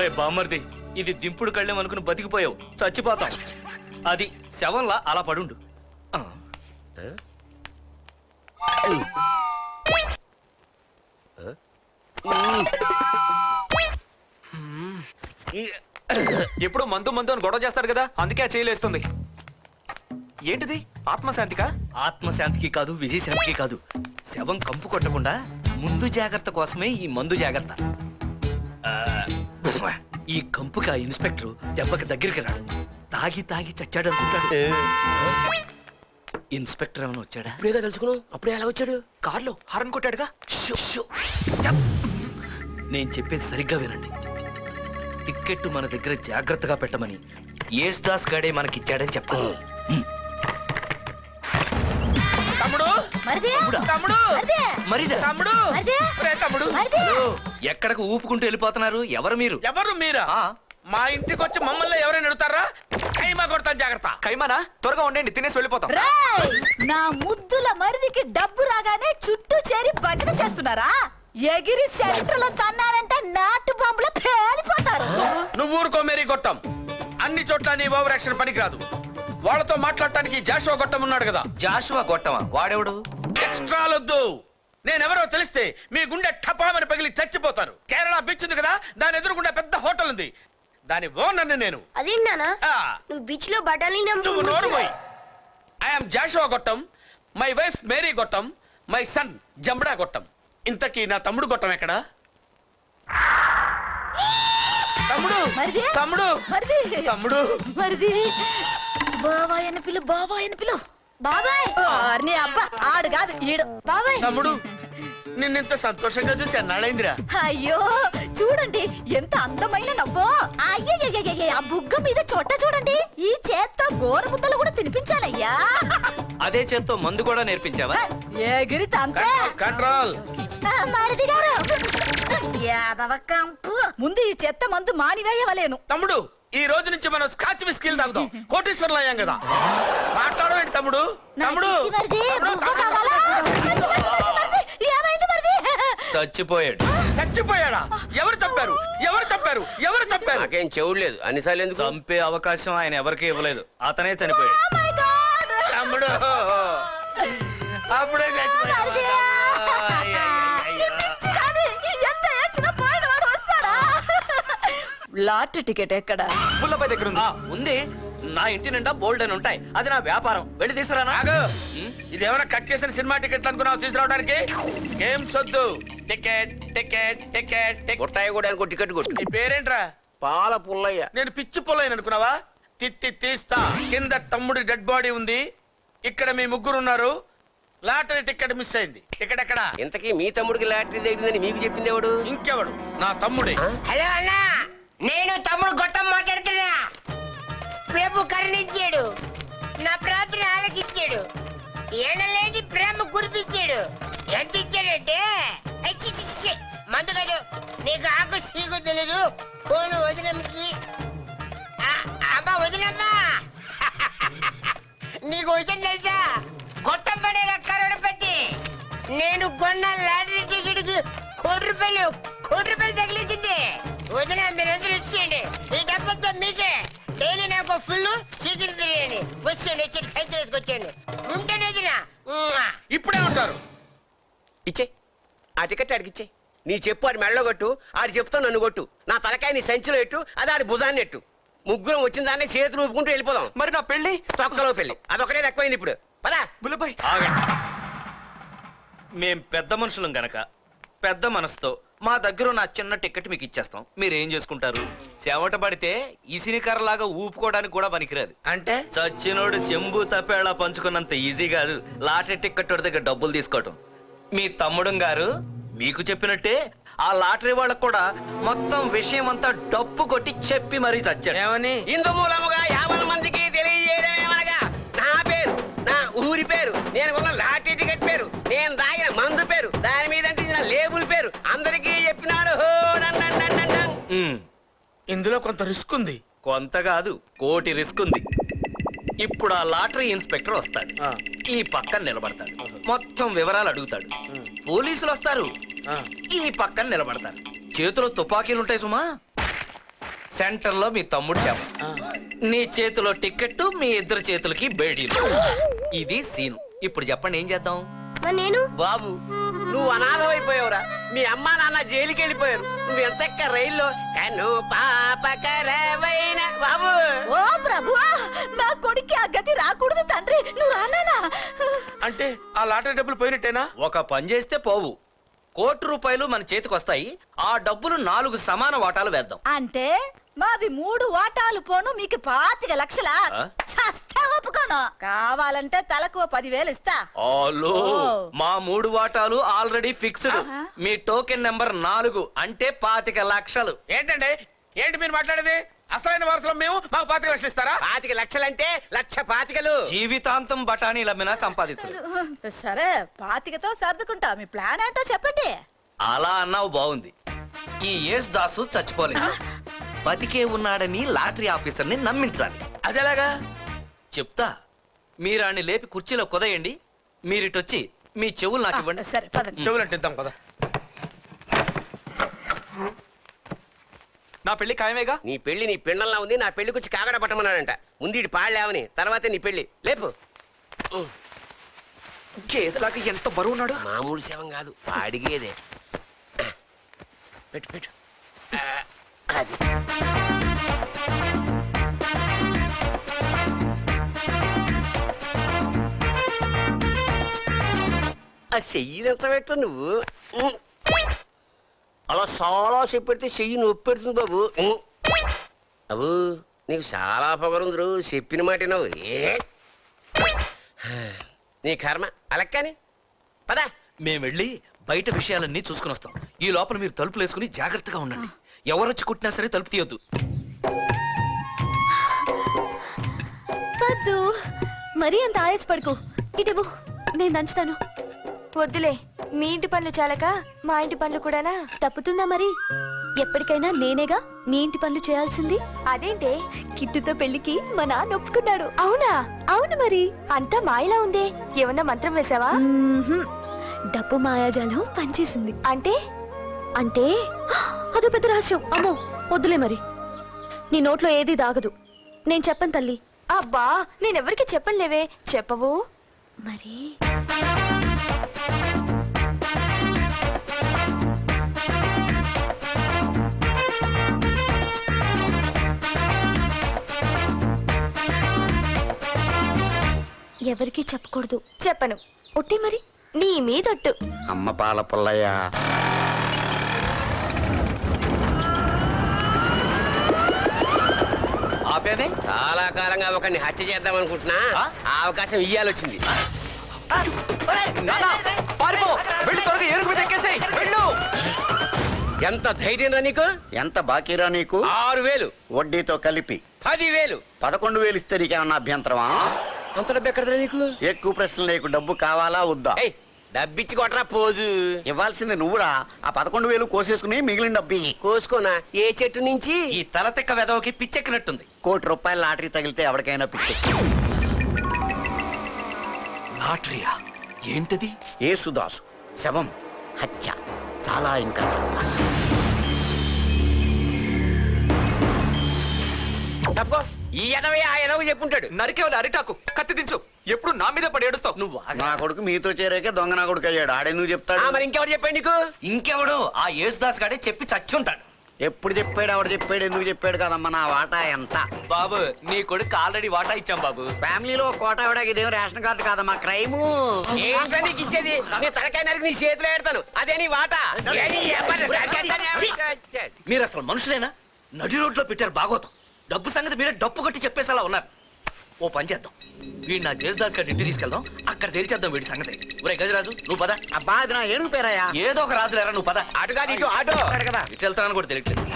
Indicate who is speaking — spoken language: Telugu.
Speaker 1: ఒరే బామ్మర్ది, ఇది దింపుడు కళ్ళెం అనుకుని బతికిపోయావు, చచ్చిపోతాం. అది శవంలా అలా పడుండు.
Speaker 2: ఎప్పుడు మందు మందు అని గొడవ చేస్తాడు కదా, అందుకే ఆ చేయలేస్తుంది. ఏంటిది? ఆత్మశాంతికా?
Speaker 1: ఆత్మశాంతికి కాదు, విజయశాంతికి కాదు. శవం కంపు కొట్టకుండా ముందు జాగ్రత్త కోసమే ఈ మందు జాగ్రత్త. ఈ కంపుకి ఆ ఇన్స్పెక్టర్ దెబ్బకి దగ్గరికి రాడు, తాగి తాగి చచ్చాడు అనుకుంటాడు. ఇన్స్పెక్టర్ ఏమైనా వచ్చాడా?
Speaker 3: ఇప్పుడేగా తెలుసుకున్నావు. అప్పుడే ఎలా వచ్చాడు?
Speaker 2: కార్లో హారన్ కొట్టాడుగా.
Speaker 1: నేను చెప్పేది సరిగ్గా వినండి. టిక్కెట్ మన దగ్గర జాగ్రత్తగా పెట్టమని యేసుదాస్ గాడే మనకిచ్చాడని చెప్పాలి.
Speaker 4: తమ్ముడు తమ్ముడు
Speaker 1: మరిదా?
Speaker 4: తమ్ముడు తమ్ముడు
Speaker 1: ఎక్కడికి ఊపుకుంటూ వెళ్ళిపోతున్నారు? ఎవరు మీరు?
Speaker 4: ఎవరు మీరా? మా ఇంటికి వచ్చి మమ్మల్ని ఎవరైనా ఎడుతారా? కైమా కొడతాను, జాగ్రత్త.
Speaker 2: కైమానా? త్వరగా ఉండండి, తినేసి వెళ్ళిపోతాం.
Speaker 5: నా ముద్దుల మరిదికి డబ్బు రాగానే చుట్టూ చేరి భజన చేస్తున్నారా? ఎగిరి సెంటర్లో తన్నారంటే నాటు బాంబులో పేలిపోతారు.
Speaker 4: నువ్వు ఊరుకో మేరీ గొట్టం. అన్ని చోట్ల నీ ఓవర్ యాక్షన్ పనికిరాదు. వాళ్ళతో మాట్లాడటానికి జాషువా గొట్టం ఉన్నాడు కదా.
Speaker 1: జాషువా గొట్టమా? వాడెవడు?
Speaker 4: ఎక్స్ట్రాలొద్దు. నేనెవరో తెలిస్తే మీ గుండె టపామని పగిలి చచ్చిపోతారు. కేరళ బీచ్ ఉంది కదా, దాని ఎదురుగుండా పెద్ద హోటల్ ఉంది, దాని ఓనర్ని నేను.
Speaker 6: అదేంటన్నా నువ్వు బీచ్ లో బఠానీ
Speaker 4: నువ్వు నోరు పోయి. I'm Joshua Gottam, my wife Mary Gottam, my son Jambada Gottam. ఇంతకీ నా తమ్ముడు గొట్టం ఎక్కడా? తమ్ముడు తమ్ముడు తమ్ముడు
Speaker 5: మరిది బాబాయ్ అని పిలు, బాబాయ్ అని పిలు. బాబాయ్ నీ అబ్బా ఆడు కాదు ఈడు. బాబాయ్
Speaker 4: తమ్ముడు, నిన్నెంత సంతోషంగా చూసి అన్నాడైందిరా.
Speaker 5: అయ్యో చూడండి ఎంత అందమైన నవ్వో. అయ్యయ్యయ్యయ్య, ఆ బుగ్గ మీద చొట్ట చూడండి. ఈ చేత్తో గోర ముద్దలు కూడా తినిపించాలయ్యా.
Speaker 1: అదే చేత్తో మందు కూడా నేర్పించావా?
Speaker 5: ఎగిరి తంతే.
Speaker 4: కంట్రోల్.
Speaker 5: మరిది గారు యాదవ కంపు. ముందు ఈ చెత్త మందు మానివేయవలేను.
Speaker 4: తమ్ముడు, ఈ రోజు నుంచి మనం స్కాచ్ విస్కీలు తాగుదాం. కోటీశ్వరులు అయ్యాం కదా. మాట్లాడవేంటి తమ్ముడు? తమ్ముడు
Speaker 1: చచ్చిపోయాడు.
Speaker 4: చచ్చిపోయాడా? ఎవరు చంపారు? ఎవరు చంపారు? ఎవరు చంపారు?
Speaker 3: నాకేం చెవుడు లేదు. అన్నిసార్లు ఎందుకు?
Speaker 1: చంపే అవకాశం ఆయన ఎవరికీ ఇవ్వలేదు, అతనే చనిపోయాడు.
Speaker 4: తమ్ముడు అప్పుడే
Speaker 5: లాటరీ టికెట్ ఎక్కడ?
Speaker 2: పుల్లపై దగ్గర ఉంది.
Speaker 1: ఉంది. నా ఇంటి నిండా బోల్డ్ అని ఉంటాయి, అది నా వ్యాపారం. వెళ్ళి తీసుకురానా?
Speaker 4: ఇది ఏమైనా కట్ చేసిన సినిమా టికెట్లు అనుకున్నావు తీసుకురావడానికి? ఏం సొద్దు. టికెట్ టికెట్ టికెట్
Speaker 3: కొట్టాయి కూడా అనుకో, టికెట్ కొట్టు.
Speaker 4: నీ పేరేంట్రా?
Speaker 3: పాల పుల్లయ్య.
Speaker 4: నేను పిచ్చి పుల్లయ్య అనుకున్నావా? తిత్తి తీస్తా. కింద తమ్ముడి డెడ్ బాడీ ఉంది, ఇక్కడ మీ ముగ్గురు ఉన్నారు. లాటరీ టికెట్ మిస్ అయింది. టికెట్ ఎక్కడ?
Speaker 3: ఇంతకీ మీ తమ్ముడికి లాటరీ తగ్గిందని మీకు చెప్పింది ఎవడు?
Speaker 4: ఇంకెవడు? నా తమ్ముడే.
Speaker 6: హలో అన్నా, నేను తమ్ముడు గొట్టం మాట్లాడుతున్నా. ప్రభు కరుణించాడు, నా ప్రార్థన ఆలకించాడు, ఏడలేని ప్రేమ కురిపించాడు. ఎంత ఇచ్చాడంటే మందు కాదు, నీకు ఆకు సీకు తెలీదు. పోను వదినమ్మకి. అమ్మా వదినమ్మా, నీకు వచ్చిన తెలుసా? గొట్టం పడే కరోడపతి. నేను కొన్న లాటరీ టికెట్ కోటి రూపాయలు తగిలించింది. వదిన మీరందరూ వచ్చేయండి, ఈ డబ్బంతా మీకే. డైలీ నాకు ఫుల్ చికెన్ బిర్యానీ. వచ్చి కై చేసుకొచ్చేయండి. ఉంటేనే
Speaker 4: ఇప్పుడే ఉంటారు.
Speaker 3: ఇచ్చే ఆ టికెట్ ఆడికి ఇచ్చే. నీ చెప్పు ఆడి మెడలో కొట్టు, ఆడి చెప్తా నన్ను కొట్టు. నా తలకాయ నీ సంచిలో ఎట్టు, అది ఆడి భుజాన్ని ఎట్టు. ముగ్గురం వచ్చిన దాన్ని చేతులు ఊపుకుంటూ వెళ్ళిపోదాం.
Speaker 2: మరి నా పెళ్లి?
Speaker 3: తొక్కలో పెళ్లి అదొకటే తక్కువైంది ఇప్పుడు. పదా
Speaker 2: బుల్లపై.
Speaker 1: మేం పెద్ద మనుషులం గనక పెద్ద మనసుతో మా దగ్గర నా చిన్న టికెట్ మీకు ఇచ్చేస్తాం. మీరేం చేసుకుంటారు? చెమట పడితే ఇసినికర్రలాగా ఊపుకోవడానికి కూడా పనికిరాదు.
Speaker 4: అంటే
Speaker 1: చచ్చినోడు శంభు తప్పేలా పంచుకున్నంత ఈజీ కాదు లాటరీ టికెట్ దగ్గర డబ్బులు తీసుకోవటం. మీ తమ్ముడు గారు మీకు చెప్పినట్టే ఆ లాటరీ వాళ్ళకు కూడా మొత్తం విషయం అంతా డప్పు కొట్టి చెప్పి మరీ చచ్చాడు.
Speaker 4: ఏమని?
Speaker 3: ఇందు మూలముగా 50 మందికి తెలియజేయడమేమనగా నా పేరు, నా ఊరి పేరు, నేను కొన్న లాటరీ టికెట్ పేరు, నేను తాగిన మందు పేరు, దాని మీద లేబుల్ పేరు అందరికీ చెప్పినాడు.
Speaker 4: ఇందులో కొంత రిస్క్ ఉంది.
Speaker 1: కొంత కాదు, కోటి రిస్క్ ఉంది. ఇప్పుడు ఆ లాటరీ ఇన్స్పెక్టర్ వస్తాడు, ఈ పక్కన నిలబడతాడు, మొత్తం వివరాలు అడుగుతాడు. పోలీసులు వస్తారు, ఈ పక్కన నిలబడతారు. చేతిలో తుపాకీలు ఉంటాయి సుమా. సెంటర్ లో మీ తమ్ముడు శవం, నీ చేతిలో టికెట్, మీ ఇద్దరు చేతులకి బేడీలు. ఇది సీను. ఇప్పుడు చెప్పండి ఏం చేద్దాం?
Speaker 6: నేను
Speaker 3: బాబు నువ్వు అనాథమైపోయావురా. మీ అమ్మా నాన్న జైలుకి వెళ్ళిపోయారు. నువ్వు ఎంతక్క రైల్లో కన్ను పాపకరవైన బాబు.
Speaker 5: ఓ ప్రభు, నా కొడుక్కి ఆ గతి రాకూడదు తండ్రి, నువ్వు రానానా?
Speaker 4: అంటే ఆ లాటరీ డబ్బులు పోయినట్టేనా?
Speaker 1: ఒక పని చేస్తే పోవు. ₹1,00,00,000 మన చేతికి వస్తాయి. ఆ డబ్బులు 4 సమాన వాటాలు వేద్దాం.
Speaker 5: అంటే మాది 3 వాటాలు పోను, మీకు 25,00,000.
Speaker 1: ఆ?
Speaker 5: సస్తా ఒప్పుకోను. కావాలంటే తలకు 10,000 ఇస్తా.
Speaker 1: ఆలో,
Speaker 5: ఓ.
Speaker 1: మా 3 వాటాలు ఆల్రెడీ ఫిక్స్డ్.
Speaker 5: ఆహా.
Speaker 1: మీ టోకెన్ నెంబర్ 4 అంటే 25,00,000.
Speaker 4: ఏంటండి ఏంటి మీరు మాట్లాడేది? అసలైన వారసులం మేము, మాకు 25,00,000 ఇస్తారా?
Speaker 3: 25,00,000 అంటే 1,25,000.
Speaker 1: జీవితాంతం బఠానీలు అమ్మినా సంపాదించరు.
Speaker 5: సరే, 25తో సర్దుకుంటా. మీ ప్లాన్ ఏంటో చెప్పండి.
Speaker 1: అలా అన్నావు బాగుంది. ఈ యేసు దాసు చచ్చిపోలేదు, బతికే ఉన్నాడని లాటరీ ఆఫీసర్ని నమ్మించాలి.
Speaker 4: అదేలాగా?
Speaker 1: చెప్తా. మీరు ఆడిని లేపి కుర్చీలో కుదయండి. మీరిటొచ్చి మీ చెవులు నాకు ఇవ్వండి.
Speaker 5: సరే పదండి.
Speaker 4: చెవులంటే ఇద్దాం కదా.
Speaker 2: నా పెళ్లి ఖాయమేగా?
Speaker 3: నీ పెళ్లి నీ పిండంలా ఉంది. నా పెళ్లి గురించి కాగడ పట్టమన్నాడంట. ముందు ఇటు పాడలేవని, తర్వాతే నీ పెళ్లి. లేపు.
Speaker 2: గేదెలాగా ఎంత బరువున్నాడు.
Speaker 3: మామూలు శవం కాదు, అడిగేదే. పెట్టు పెట్టు. అది ఆ చెయ్యి తెచ్చబెట్టు నువ్వు. అలా చాలా సేపు పెడితే చెయ్యి నొప్పి పెడుతుంది బాబు. అబ్బు నీకు చాలా పొగరుందరు, చెప్పిన మాట నువ్వు. నీ కర్మ అలక్కని పదా.
Speaker 1: మేము వెళ్ళి బయట విషయాలన్నీ చూసుకుని వస్తాం. ఈ లోపల మీరు తలుపులు వేసుకుని జాగ్రత్తగా ఉండండి. ఎవరొచ్చి కుట్టినా సరే తలుపు తీయొద్దు.
Speaker 7: వద్దు, మరీ అంత ఆయాసపడుకో. ఇటు నేను దంచుతాను. వద్దులే, మీ ఇంటి పనులు చాలక మా ఇంటి పనులు కూడానా? తప్పుతుందా మరి? ఎప్పటికైనా నేనేగా నీ ఇంటి పనులు చేయాల్సింది. అదేంటే, కిట్టుతో పెళ్లికి మా నాన్న ఒప్పుకున్నాడు. అవునా? అవును మరి. అంతా మాయలా ఉందే, ఏమన్నా మంత్రం వేసావా? డబ్బు మాయాజాలం పనిచేసింది. అంటే అంటే అదో పెద్ద రహస్యం. అమ్మో వద్దులే మరి. నీ నోట్లో ఏది దాగదు. నేను చెప్పను తల్లి. అబ్బా, నేనెవరికి చెప్పనులేవే. చెప్పవు మరి. ఎవరికి చెప్పకూడదు. చెప్పను. ఒట్టి మరి, నీ మీదొట్టు.
Speaker 3: అమ్మ పాల పుల్లయ్య.
Speaker 1: ఆపేమే.
Speaker 3: చాలా కాలంగా ఒకరిని హత్య చేద్దాం అనుకుంటున్నా. ఆ అవకాశం ఇయ్యాలొచ్చింది.
Speaker 2: పారిపో, వెళ్ళి త్వరగా ఏనుగు మీద ఎక్కేసేయ్. వెళ్ళు.
Speaker 3: ఎంత ధైర్యం రా నీకు?
Speaker 8: ఎంత బాకీరా నీకు?
Speaker 3: 6,000.
Speaker 8: వడ్డీతో కలిపి
Speaker 3: 10,000.
Speaker 8: 11,000 ఇస్తే నీకేమన్నా అభ్యంతరమా?
Speaker 3: అంత డబ్బు ఎక్కడదా నీకు?
Speaker 8: ఎక్కువ ప్రశ్నలు నీకు. డబ్బు కావాలా వద్దా?
Speaker 3: ఏయ్, డబ్బిచ్చి కొట్టరా పోజు.
Speaker 8: ఇవ్వాల్సింది నువ్వురా. ఆ 11,000 కోసేసుకుని మిగిలిన డబ్బు ఇయ్యి.
Speaker 3: కోసుకోనా? ఏ చెట్టు నుంచి?
Speaker 1: ఈ తలతిక్క వెదవకి పిచ్చెక్కినట్టుంది.
Speaker 8: ₹1,00,00,000 లాటరీ తగిలితే ఎవరికైనా పిచ్చి.
Speaker 1: లాటరీయా? ఏంటిది?
Speaker 8: యేసుదాసు శవం, హత్య, చాలా ఇంకా చాలా.
Speaker 3: తప్పుకో. ఈ ఎదవే ఆ ఎదవ చెప్పుంటాడు.
Speaker 2: నరికేవాళ్ళు అరిటాకు, కత్తి దించు. ఎప్పుడు నా మీద పడి ఏడుస్తావు.
Speaker 1: నువ్వు ఆగు.
Speaker 8: నా కొడుకు మీతో చేరాకే దొంగ నా కొడుకు అయ్యాడు. ఆడెందుకు చెప్తాడు?
Speaker 3: మరి ఇంకెవరు చెప్పాడు నీకు?
Speaker 1: ఇంకెవడు? ఆ యేసుదాస్ గాడే చెప్పి చచ్చుంటాడు.
Speaker 8: ఎప్పుడు చెప్పాడు? ఎవడు చెప్పాడు? ఎందుకు చెప్పాడు? కదమ్మా నా వాటా ఎంత?
Speaker 1: బాబు, నీ కొడుకు ఆల్రెడీ వాటా ఇచ్చాం బాబు.
Speaker 8: ఫ్యామిలీలో కోట ఇవ్వడానికి ఇదేం రేషన్ కార్డు కాదమ్మా, క్రైము.
Speaker 3: ఏంటో నీకు ఇచ్చేది? నీ తలకాయ నరికి నీ చేతిలో పెడతాను. అదే నీ వాట.
Speaker 1: మీరు అసలు మనుషులేనా? నడి రోడ్లో పెట్టారు బాగోతం. డబ్బు సంగతి మీరే డప్పు కొట్టి చెప్పేసేలా ఉన్నారు. ఓ పని చేద్దాం, వీడు నా జేసుదాస్ గారి ఇంటికి తీసుకెళ్దాం. అక్కడ తేల్చేద్దాం వీడి సంగతి. ఒరే గజరాజు, నువ్వు పద.
Speaker 8: అబ్బా అది నా ఏనుగు పేరయ్యా.
Speaker 1: ఏదో ఒక రాజు లేరా, నువ్వు పద.
Speaker 3: అటు కాదు ఇటు, ఆటో
Speaker 8: కదా.
Speaker 1: ఇటు వెళ్తానని కూడా తెలియట్లేదు.